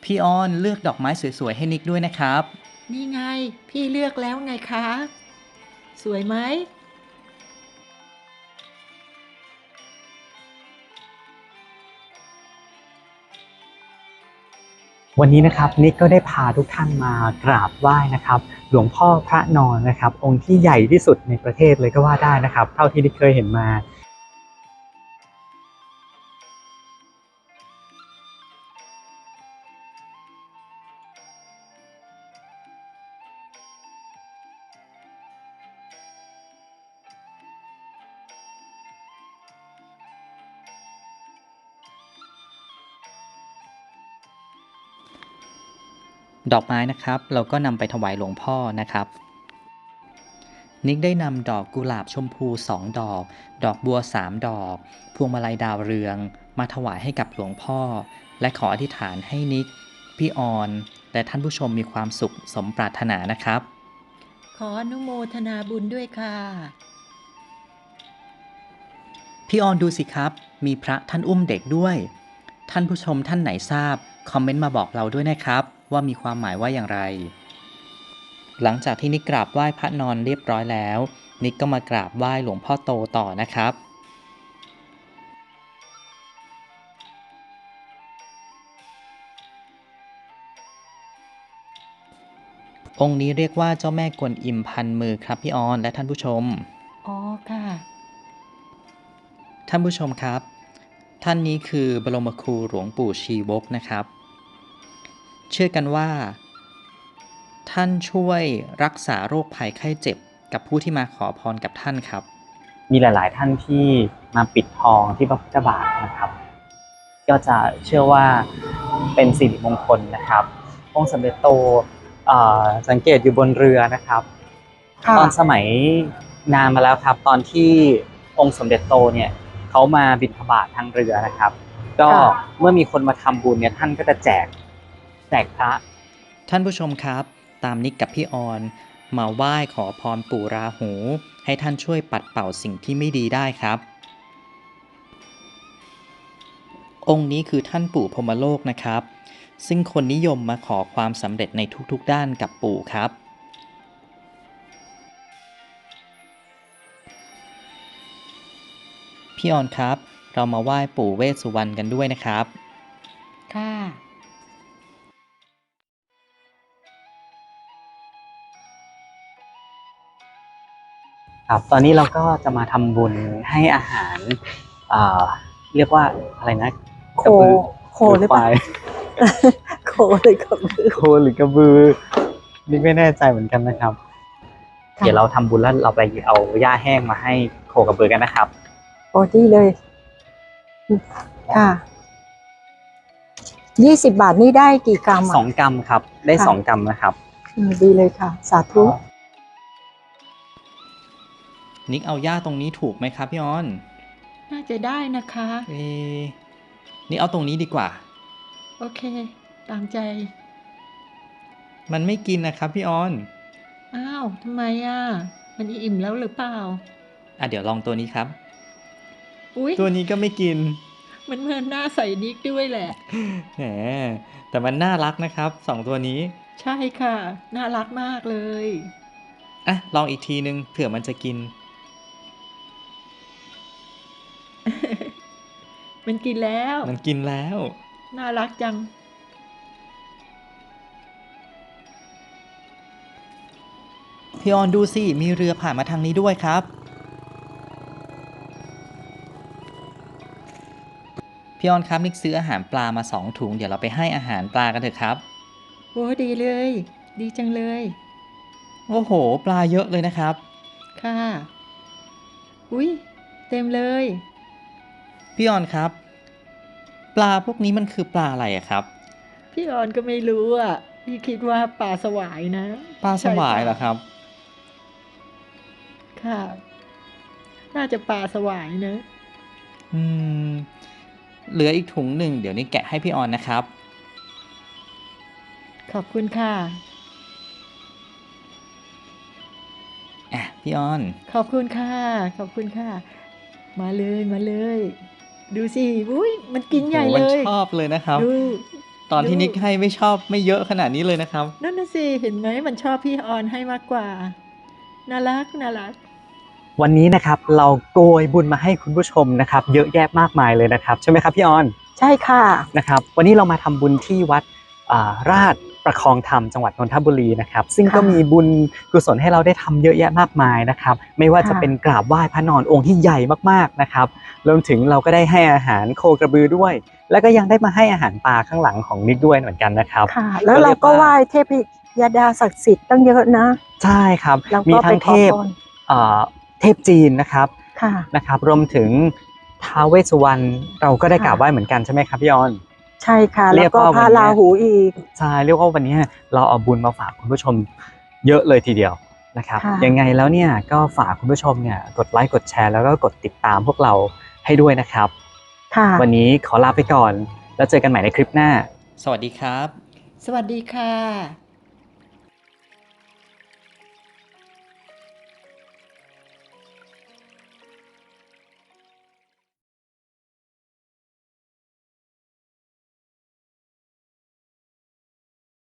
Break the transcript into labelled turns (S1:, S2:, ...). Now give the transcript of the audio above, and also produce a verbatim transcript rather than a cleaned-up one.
S1: พี่ออนเลือกดอกไม้สวยๆให้นิกด้วยนะครับ
S2: นี่ไงพี่เลือกแล้วไงคะสวยไหม
S3: วันนี้นะครับนิกก็ได้พาทุกท่านมากราบไหว้นะครับหลวงพ่อพระนอนนะครับองค์ที่ใหญ่ที่สุดในประเทศเลยก็ว่าได้นะครับเท่าที่นิกเคยเห็นมา
S1: ดอกไม้นะครับเราก็นำไปถวายหลวงพ่อนะครับนิกได้นำดอกกุหลาบชมพูสองดอกดอกบัวสามดอกพวงมาลัยดาวเรืองมาถวายให้กับหลวงพ่อและขออธิษฐานให้นิกพี่ออนและท่านผู้ชมมีความสุขสมปรารถนานะครับ
S2: ขออนุโมทนาบุญด้วยค่ะ
S1: พี่ออนดูสิครับมีพระท่านอุ้มเด็กด้วยท่านผู้ชมท่านไหนทราบคอมเมนต์มาบอกเราด้วยนะครับว่ามีความหมายว่าอย่างไรหลังจากที่นิกกราบไหว้พระนอนเรียบร้อยแล้วนิกก็มากราบไหว้หลวงพ่อโตต่อนะครับองค์นี้เรียกว่าเจ้าแม่กวนอิมพันมือครับพี่ออนและท่านผู้ชม
S2: อ๋อค่ะ
S1: ท่านผู้ชมครับท่านนี้คือบรมครูหลวงปู่ชีวกนะครับเชื่อกันว่าท่านช่วยรักษาโรคภัยไข้เจ็บกับผู้ที่มาขอพรกับท่านครับ
S3: มีหลายๆท่านที่มาปิดทองที่พระพุทธบาทนะครับก็จะเชื่อว่าเป็นสิริมงคลนะครับองค์สมเด็จโตสังเกตอยู่บนเรือนะครับตอนสมัยนานมาแล้วครับตอนที่องค์สมเด็จโตเนี่ยเขามาบิณฑบาตทางเรือนะครับก็เมื่อมีคนมาทำบุญเนี่ยท่านก็จะแจกแจกพระ
S1: ท่านผู้ชมครับตามนิกกับพี่ออนมาไหว้ขอพรปู่ราหูให้ท่านช่วยปัดเป่าสิ่งที่ไม่ดีได้ครับองค์นี้คือท่านปู่พรหมโลกนะครับซึ่งคนนิยมมาขอความสำเร็จในทุกๆด้านกับปู่ครับพี่ออนครับเรามาไหว้ปู่เวสสุวรรณกันด้วยนะครับ
S2: ค่ะ
S3: ครับตอนนี้เราก็จะมาทำบุญให้อาหารอ่าเรียกว่าอะไรนะ
S4: โคโคหรือเปล่าโคหรือกระบือ
S3: โคหรือกระบือนี่ไม่แน่ใจเหมือนกันนะครับเดี๋ยวเราทำบุญแล้วเราไปเอาหญ้าแห้งมาให้โคกระบือกันนะครับ
S4: โอ้ดีเลยค่ะยี่สิบบาทนี่ได้กี่กรัม
S3: สองกรัมครับได้สองกรัมนะครับ
S4: ดีเลยค่ะสาธุ
S1: นิกเอาหญ้าตรงนี้ถูกไหมครับพี่ออน
S2: น่าจะได้นะคะ
S1: เอนี่เอาตรงนี้ดีกว่า
S2: โอเคตามใจ
S1: มันไม่กินนะครับพี่ออน
S2: อ้าวทำไมอ่ะมันอิ่มแล้วหรือเปล่า
S1: อ่ะเดี๋ยวลองตัวนี้ครับ
S2: อุ๊ย
S1: ตัวนี้ก็ไม่กิน
S2: มันเหมือนหน้าใส่นิกด้วยแหละ
S1: แหมแต่มันน่ารักนะครับสองตัวนี้
S2: ใช่ค่ะน่ารักมากเลย
S1: อ่ะลองอีกทีนึงเผื่อมันจะกิน
S2: มันกินแล้ว
S1: มันกินแล้ว
S2: น่ารักจัง
S1: พี่ออนดูสิมีเรือผ่านมาทางนี้ด้วยครับพี่ออนครับนิกซื้ออาหารปลามาสองถุงเดี๋ยวเราไปให้อาหารปลากันเถอะครับ
S2: โอ้ดีเลยดีจังเลย
S1: โอ้โหปลาเยอะเลยนะครับ
S2: ค่ะอุ๊ยเต็มเลย
S1: พี่ออนครับปลาพวกนี้มันคือปลาอะไรอะครับ
S2: พี่ออนก็ไม่รู้อ่ะพี่คิดว่าปลาสวายนะ
S1: ปลาสวายเหรอครับ
S2: ค่ะน่าจะปลาสวายนะ
S1: อืมเหลืออีกถุงหนึ่งเดี๋ยวนี้แกะให้พี่ออนนะครับ
S2: ขอบคุณค่ะ
S1: อ่ะพี่ออน
S2: ขอบคุณค่ะขอบคุณค่ะมาเลยมาเลยดูสิอุ้ยมันกินใหญ่เลย
S1: มันชอบเลยนะครับ
S2: ดู
S1: ตตอนที่
S2: ดู
S1: นิกให้ไม่ชอบไม่เยอะขนาดนี้เลยนะครับ
S2: นั่นน่ะสิเห็นไหมมันชอบพี่ออนให้มากกว่าน่ารักน่ารัก
S3: วันนี้นะครับเราโกยบุญมาให้คุณผู้ชมนะครับ เยอะแยะมากมายเลยนะครับใช่ไหมครับพี่ออน
S4: ใช่ค่ะ
S3: นะครับ วันนี้เรามาทำบุญที่วัดอ่าราชประคองธรรมจังหวัดนนทบุรีนะครับ ซึ่งก็
S4: ค่ะ
S3: มีบุญกุศลให้เราได้ทำเยอะแยะมากมายนะครับ ไม่ว่าจะ
S4: ค่ะ
S3: เป็นกราบไหว้พระนอนองค์ที่ใหญ่มากๆนะครับรวมถึงเราก็ได้ให้อาหารโคกระบือด้วย แล้วก็ยังได้มาให้อาหารปลาข้างหลังของนิกด้วยเหมือนกันนะครับ
S4: ค่ะ แล้วเราก็ไหว้เทพยดาศักดิ์สิทธิ์ตั้งเยอะนะ
S3: ใช่ครับ
S4: เรา
S3: มี
S4: ก็ไป
S3: ทั้ง
S4: ข
S3: เท
S4: อ
S3: พ
S4: พร
S3: เอ่อเทพจีนนะครับ
S4: ค่ะ
S3: นะครับ รวมถึงท้าวเวสสุวรรณเราก็ได้
S4: ค่ะ
S3: กราบไหว้เหมือนกันใช่ไหมครับพี่ออน
S4: ใช่ค่ะ
S3: เรี
S4: แล้
S3: ยว ก
S4: ก็
S3: ว่า
S4: พระ
S3: วันเนี้ย
S4: ราหูอีก
S3: ใช่เรียกว่าวันนี้เราเอาบุญมาฝากคุณผู้ชมเยอะเลยทีเดียวนะครับ
S4: ค่ะ
S3: ยังไงแล้วเนี่ยก็ฝากคุณผู้ชมเนี่ยกดไลค์กดแชร์แล้วก็กดติดตามพวกเราให้ด้วยนะครับ
S4: ค่ะ
S3: วันนี้ขอลาไปก่อนแล้วเจอกันใหม่ในคลิปหน้า
S1: สวัสดีครับ
S2: สวัสดีค่ะ